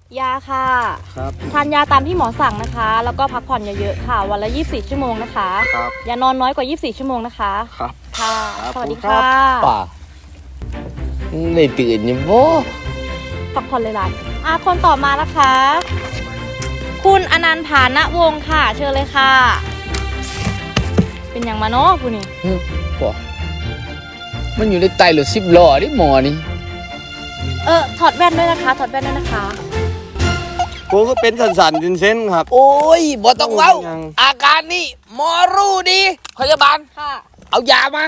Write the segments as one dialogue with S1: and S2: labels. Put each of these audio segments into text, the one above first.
S1: ยาค่ะ
S2: ครับ
S1: ทานยาตามที่หมอสั่งนะคะแล้วก็พักผ่อนเยอะๆค่ะวันละ24ชั่วโมงนะคะ
S2: ครับ
S1: อย่านอนน้อยกว่า24ชั่วโมงนะคะ
S2: ครับ
S1: ค่ะ
S2: ครับ
S1: สวัสดี
S2: ครั
S1: ค่ะ
S2: บ
S3: ป่าได้ตื่นอยู่บ่
S1: พักผ่อนเลยล่ะคนต่อมานะคะ คุณอนันต์ผานะวงศ์ค่ะเชิญเลยค่ะ เป็นอย่างมาเนาะคุณนี่
S3: บ่มันอยู่ในไตรถ10 ล้อดิหมอนี่
S1: ถอดแว่นด้วยนะคะถอดแว่นด้วยนะคะ
S2: กูก็เป็นสันๆเส้นๆครับ
S3: โอ้ยบ่ต้องเว้า
S2: ยัง
S3: อาการนี่หมอรู้ดีพยาบาล
S1: ค่ะ
S3: เอายามา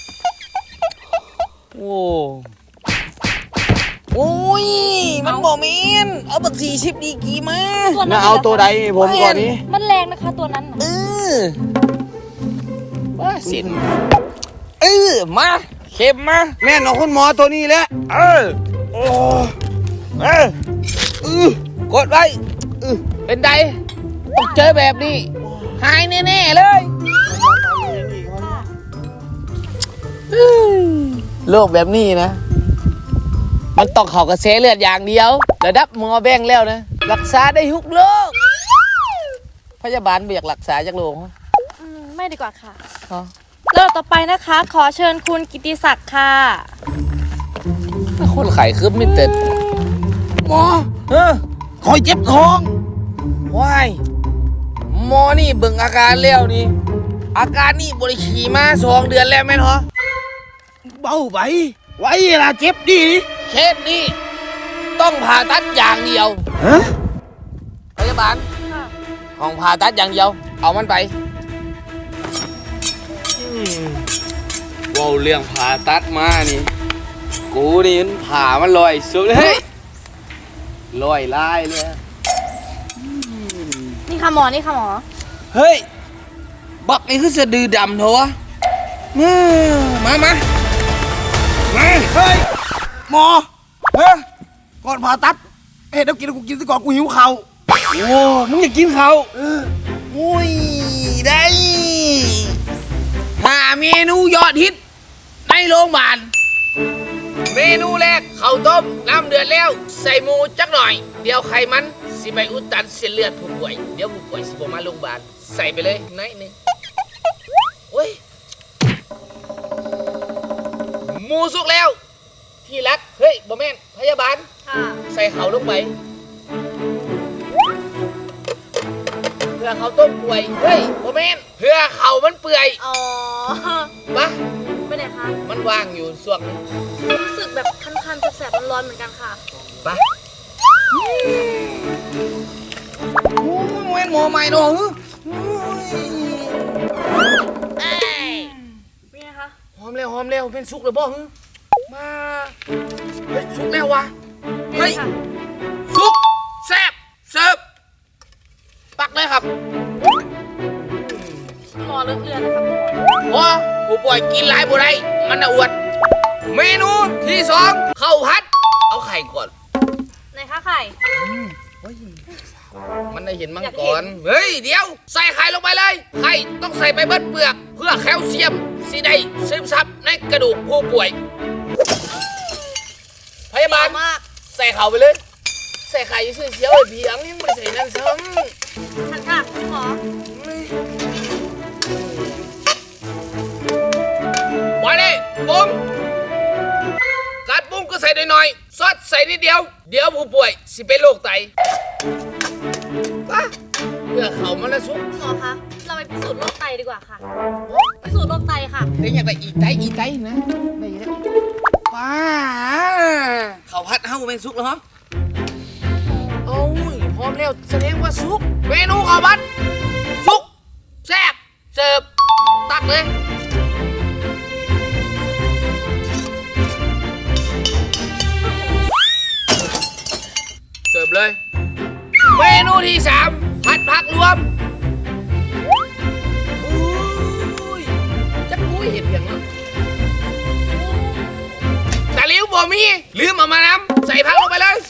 S3: โอ้ยมันบ่แม่นเอาบัก40ดีกี่มา
S1: ตัวนั้น
S2: น่าเอาตัวใดให้ผมก่อนนี้
S1: มันแรงนะคะตัวนั้นน่ะ
S3: ว่าสินมาเข็มมา
S2: แม่นเอาคุณหมอตัวนี้แหละโอ้
S3: กดไว้เป็นไดต้องเจอแบบนี้ หายแน่ๆเลยโรคแบบนี้นะ มันต้องเข้ากระแสเลือดอย่างเดียว ระดับหมอแบ่งแล้วนะ รักษาได้ทุกโรคพยาบาลไม่อยากรักษาจากโรค
S1: ไม่ดีกว่าค่ะ
S3: ฮะ
S1: แล้วต่อไปนะคะ ขอเชิญคุณกิติศักดิ์ค่ะ
S3: คนไข้คือมิเต็ด
S2: หมอคอยเจ็บท้อง
S3: ว้ายหมอนี่เบิ่งอาการแล้วนี่ อาการนี่บริขี่มา2 เดือนแล้วแม่นเหรอ
S2: เบาไปไว้ล่ะเจ็บดี
S3: เคสนี้ต้องผ่าตัดอย่างเดียว
S2: ฮะ
S3: พยาบาลห้องผ่าตัดอย่างเดียว เอามันไปว้าเรื่องผ่าตัดมานี่กูนี่มันผ่ามันลอยสุดเลยลอยลายเลย
S1: นี่ค่ะหมอนี่ค่ะหมอ
S3: เฮ้ยบักนี่คือสะดือดำเถอะวะมา
S2: เ
S3: มา
S2: ฮ้ยหมอก่อนผ่าตัดเดี๋ยวกินกูกินซะก่อนกูหิวข้าว
S3: โอ้มึงอยากกินเขาอุ้ยได้หาเมนูยอดฮิตในโรงพยาบาลเมนูแรกข้าวต้มน้ำเดือดแล้วใส่หมูจักหน่อยเดี๋ยวไขมันสิไปอุดตันเส้นเลือดผู้ป่วยเดี๋ยวผู้ป่วยสิบมาโรงพยาบาลใส่ไปเลยน้อยหนึงโอ้ยหมูสุกแล้วที่รักเฮ้ยบ่แม่นพยาบาล
S1: ค่ะ
S3: ใส่เขาลงไปเพื่อเขาต้มป่วยเฮ้ยบ่แม่นเพื่อเขามันเปื่อย
S1: อ๋อ
S3: ปะ
S1: ไปไหนคะ
S3: มันว่างอยู่ส่วงนี้
S1: รู้สึกแบบคันๆแสบๆร้อนๆเหมือนกันค่ะ
S3: ปะโอ้ยแม่นหมอใหม่เนาะ
S1: เป็นไงคะ
S3: หอมแล้วเป็นสุกเลยบ่ฮึมาเฮ้ยสุกแล้ววะเฮ้ยสุกแซ่บเสิร์ฟปักเลยครับ
S1: หมอเลือดนะคะหมอ
S3: พอผู้ป่วยกินหลายบ่ได้มันน่ะอวด เมนูที่2ข้าวผัด เอาไข่ก่อน
S1: ไหนคะไข่
S3: มันได้เห็นมัง
S1: อยาก
S3: ก
S1: เห็
S3: ร
S1: น
S3: เฮ้ยเดี๋ยว ใส่ไข่ลงไปเลย ไข่ต้องใส่ไปเบิดเปลือก เพื่อแคลเซียมสิได้ซึมซับในกระดูกผู้ป่วย พยาบาล
S1: มาก
S3: ใส่เข่าไปเลย ใส่ไข่อยืดเสียวไอ้เพียงยังไม่ได้ใส่นั่นซ้
S1: ทันค่ะหมอ
S3: ำไว้เลยปุ้งการปรุงก็ใส่หน่อยๆซอสใส่นิดเดียว เดี๋ยวผู้ป่วยสิเป็นโรคไตปะเพื่อเขามันละสุก
S1: หมอคะ เราไปพิสูจน์โรคไตดีกว่าค่ะ พิสูจน์โรคไตค่ะ
S3: ได้อยากได้อีไตนะได้แล้วป้าเขาพัดเฮ้าเป็นสุกแล้วเหรอโอ้ยพร้อมแล้วแสดงว่าสุกเมนูข้าวผัดสุกแซ่บเสิร์ฟตักเลยเสิร์ฟเลยเมนูที่3ผัดผักรวมอุ้ยจักกุ้ยเห็ดอย่างนั้นแต่ลิ้วบ่มีลืมเอามานำใส่ผักลงไปเลย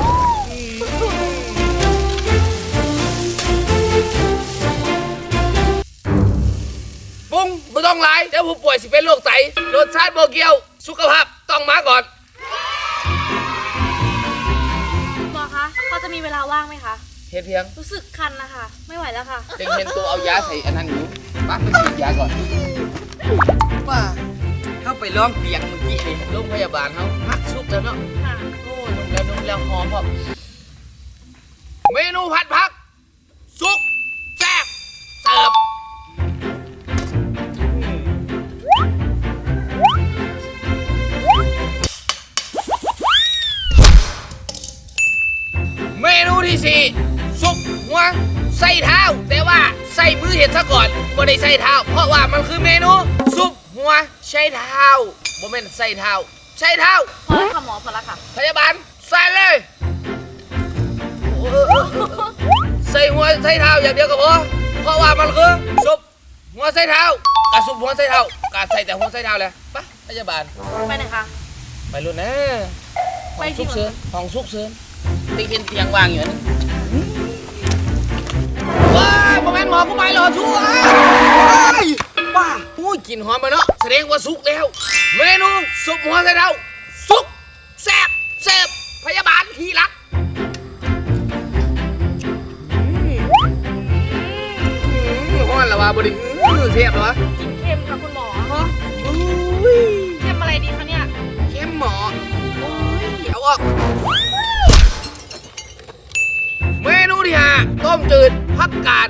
S3: ปรุงไม่ต้องหลายเดี๋ยวผู้ป่วยสิเป็นโรคไตรสชาติบ่เกี่ยวสุขภาพต้องมาก่อน
S1: หมอคะพอจะมีเวลาว่างไหมคะ
S3: เฮ็ดเพียง
S1: รู้สึกคันนะคะ ไม่ไหวแล้วค่ะ
S3: เต็งเห็นตัวเอายาใส่อันนั้นอยู่ป้าไปฉีดยาก่อนป้าเข้าไปล้อมเตียงเมื่อกี้นี่โรงพยาบาลเขาพักซุกแล้วเนาะ
S1: ค่ะ
S3: โอ้ยนุ่มแล้วหอมพอเมนูผัดผักซุกแซ่บเสิร์ฟเมนูที่สี่ซุปหัวไส้เท้าแต่ว่าใส่มือเห็ดซะก่อนบ่ได้ใส่เท้าเพราะว่ามันคือเมนูซุปหัวไส้เท้าบ่แม่นใส่เท้าใช่เท้า
S1: พอแล้วค่ะหมอพอแล้วค่ะ
S3: พยาบาลใส่เลยใส่หัวใส่เท้าอย่างเดียวก็พอเพราะว่ามันคือซุปหัวใส่เท้ากับซุปหัวใส่เท้ากับใส่แต่หัวใส่เท้าเลยปะพยาบาล
S1: ไปไหนคะ
S3: ไปรุ่นนะ
S1: ไป
S3: ห้อง
S1: ที่
S3: ซุกเซินห้องซุกเซินติ๊กเห็นเตียงวางอยู่นั่นว้ายโมเมนต์หมอกูไปหรอชั่วป้าอุ้ยกลิ่นหอมมาเนาะแสดงว่าสุกแล้วเมนูซุปหัวใส่เท้าสุกแซ่บเสิร์ฟพยาบาลที่รักห้อนละวะบดิเสียบละวะ
S1: กินเค็มค่ะคุณหมอ
S3: อุ้ย
S1: เค็มอะไรดีคะเนี่ย
S3: เข้มหมอโอ้ยเอาออกเมนูที่ห้าต้มจืดผักกาด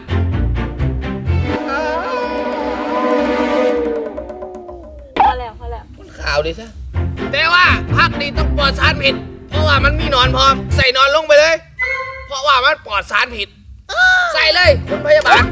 S1: พอแล้วพอแล้ว
S3: มันขาวดิซะแต่ว่าผักนี่ต้องปลอดสารพิษเพราะว่ามันมีหนอนพร้อมใส่หนอนลงไปเลย เพราะว่ามันปลอดสารพิษใส่เลยคุณพยาบาล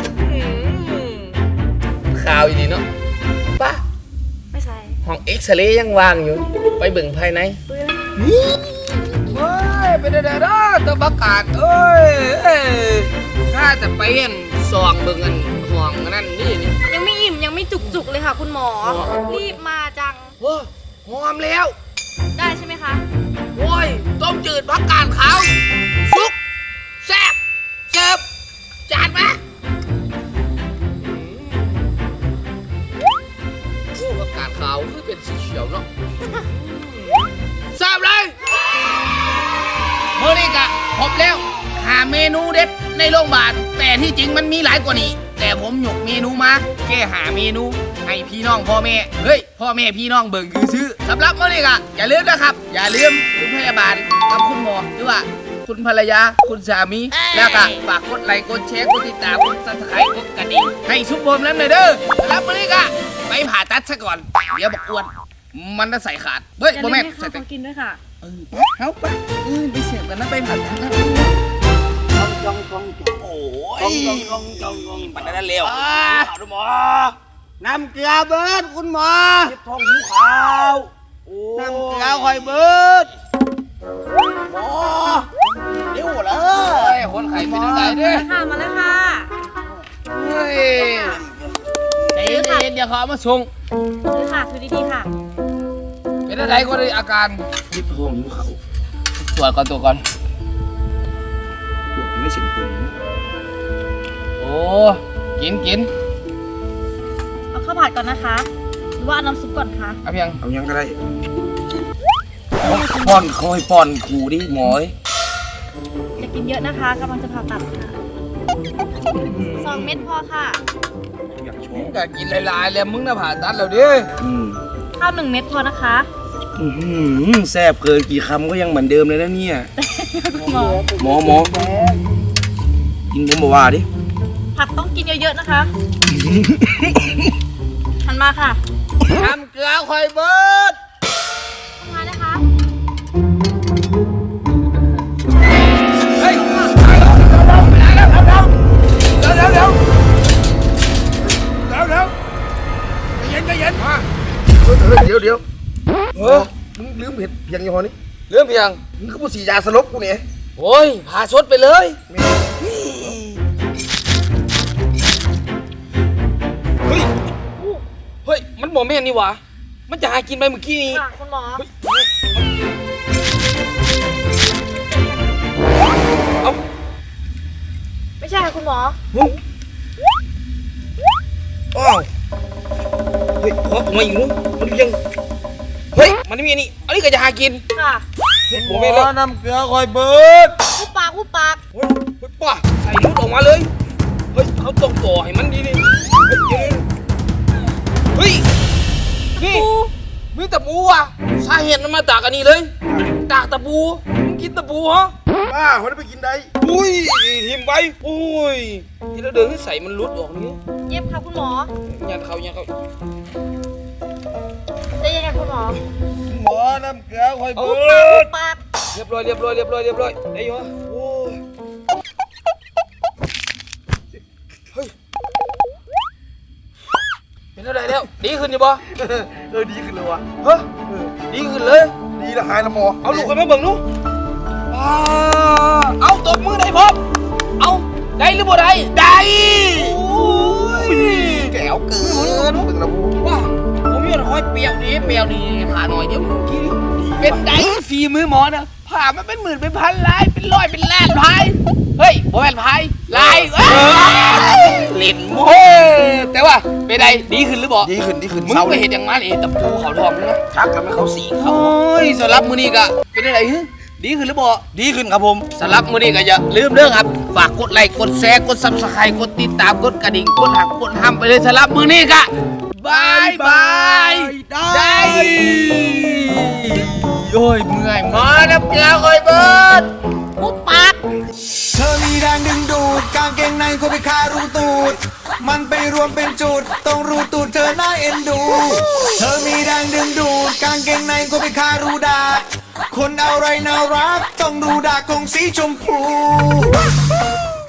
S3: ขาวอีดีเนาะป้า
S1: ไม่ใส่
S3: ห้องเอ็กซเรย์ยังวางอยู่ไปเบิ่งภายใน
S1: ปื้ย
S3: เฮ้ยเป็นเด้อตัวประกาศเอ้ยข้าแต่ไปเห็นซองเบิ่งอันห้องอันนั่นนี่
S1: ยังไม่อิ่มยังไม่จุกๆเลยค่ะคุณหมอ รีบมาจัง
S3: โอ้หอมแล้ว
S1: ได้ใช่ไหมคะ
S3: โอ้ยต้มจืดผักกาดขาวซุกแซ่บเสิร์ฟจานมาโอ้ผักกาดขาวคือเป็นสีเขียวเนาะเสิร์ฟเลยมื้อนี้กะครบแล้วหาเมนูเด็ดในโรงพยาบาลแต่ที่จริงมันมีหลายกว่านี้ แต่ผมหยกเมนูมาแค่หาเมนูให้พี่น้องพ่อแม่เฮ้ยพ่อแม่พี่น้องเบิ่งคือซื้อสำหรับมื้อนี้กะอย่าลืมนะครับ อย่าลืมคุณพยาบาลกับคุณหมอหรือว่าคุณภรรยาคุณสามีแล้วก็ฝากกดไลค์กดแชร์กดติดตามกดซับสไครต์กดกระดิ่งให้ซุปผมแล้วหน่อยเด้อสำหรับมื้อนี้กะไปผ่าตัดซะก่อนเดี๋ยวบอกอ้วนมันจะใส่ขาดเฮ้ย
S1: อย่า
S3: บ่
S1: ลืม
S3: แม่น
S1: ให้
S3: ใส่
S1: เขา
S3: แต่
S1: กินด้วยค่ะ
S3: เฮ้าไปไปเสียบกันนะไปผ่าตัดนะ
S2: โอ้ยปันนั้นเร็วคุณหมอน้ำเกลือเบิดคุณหมอเจ็บท้องหิวข้าวน้ำเกลือคอยเบิดหมอเร็วเล
S3: เฮ้
S2: ย
S3: ยคนไข้เป็นยังไงเด้อ
S1: ค่ะมาแล้วค่ะ
S3: เฮ้ยใจเย็นๆเดี๋ยวเขาเอามาส่ง
S1: คือค่ะคือดีๆค่ะ
S3: เป็นอะไรก็ได้อาการ
S2: เจ็บท้องหิวข้าว
S3: ตรวจก่อนตัวก่อน
S2: ปวดไม่เส้นผม
S3: โอ้กิน
S1: เอาข้าวผัดก่อนนะคะ หรือว่าเอาน้ำซุปก่อนคะ
S3: เอาเพียง
S2: เอายังก็ได้ป้อนเขาให้ป้อนกูดิหมอ
S1: จะกินเยอะนะคะกำลังจะผ่าตัดค่ะ2 เม็ดพอค่ะ
S2: อยากโช
S3: มึง
S2: ว์
S3: ก็กินหลายๆแล้วมึงน่ะผ่าตัดแล้วดิ
S1: ข้าว1 เม็ดพอนะคะ
S2: แซ่บเกินกี่คำก็ยังเหมือนเดิมเลยนะเนี่ย
S1: หมอ
S2: หมอกินผมบอกว่าดิ
S1: ผักต้องกินเยอะๆนะคะ หันมาค่ะ
S3: ทำเกลือคอยเบิด
S1: ทำงานนะคะ
S3: เฮ้ย
S2: เดี๋ยวมึงลืมเห็ดเพียงยี่ห้อนี้
S3: เรื่องเพียง
S2: มึงก็พูดสียาสลบกูเนี่ย
S3: โอ้ยผ่าชดไปเลย เฮ้ย เฮ้ย มันบอกแม่นนี่หวะมันจะหากินไปเมื่อกี้นี้
S1: ค่ะคุณหมอ
S3: เอ้า
S1: ไม่ใช่ค่ะคุณหมอ
S2: อ้าวเฮ้ยขอผมมาอีกนู้นมันยัง
S3: เฮ้ย มันไม่มีอันนี้ อันนี้ก็จะหากิน
S1: ค่ะ
S3: ผมไม่เลิก
S2: น้ำเกลือคอยเบิด
S1: ทุบปาก
S3: ตะปูมึงกินตะปูฮะ
S2: ป้าเขาได้ไปกินได้
S3: อุ้ยทิมไปอุ้ยที่เราเดินให้ใส่มันรุดออกนี่
S1: เย็บค่ะคุณหมอ
S3: ยันเขา
S1: ใจเย็นค่ะคุณหมอ
S2: หมอน้ำเกลือคอย
S1: โอ้
S2: เบิด
S1: ปาก
S3: เรียบร้อยได้อยู่ฮะโอ้ยเฮ้ยเป็นอะไรแล้วดีขึ้นอยู่ปะ
S2: ดีขึ้นเลยวะ
S3: ฮะดีขึ้นเลย
S2: ดีละหายละหมอ
S3: เอาลูกคนมาเบิ่งดูเอาตบมือได้พบเอาได้หรือบ่ได้ได้โอ้ย
S2: แก้วเกินเบิ่งละ
S3: ว้าผมมีอะไรเปรี้ยวนี่ผ่าหน่อยเดี๋ยวกินเป็นไดฝีมือหมอนะผ่ามันเป็นหมื่นเป็นพันลายเป็นร้อยเป็นล้านพายเฮ้ยบ่แม่นพายลายเล่นโม้แต่ว่าเป็นไดดีขึ้นหรือบ่
S2: ดีขึ้น
S3: มึง
S2: เศร้า
S3: ไป
S2: เลย
S3: เห็นอย่างนั้นตะปูเขาทองนะ
S2: ชักแล้วไม่เข้าสี
S3: โอ้ยสำหรับมื้อนี้ก็เป็นอะไรฮึดีขึ้นหรือบ่
S2: ดีขึ้นครับผม
S3: สำหรับมื้อนี้ก็อย่าลืมเด้อครับฝากกดไลค์กดแชร์กด Subscribe กดติดตามกดกระดิ่งกดหักกดห้ามไปเลยสำหรับมื้อนี้ก็บายบายได้โอ้ยเมื่อยหมอน้ำเกลือคอยเบิดปุ๊บปั๊บ
S4: เธอมีแรงดึงดูดกางเกงในก็ไปคารูตูดมันไปรวมเป็นจุดตรงรูตูดเธอน่าเอ็นดู เธอมีแรงดึงดูดกางเกงในก็ไปคารูดากคนอะไรน่ารักต้องดูดากของสีชมพู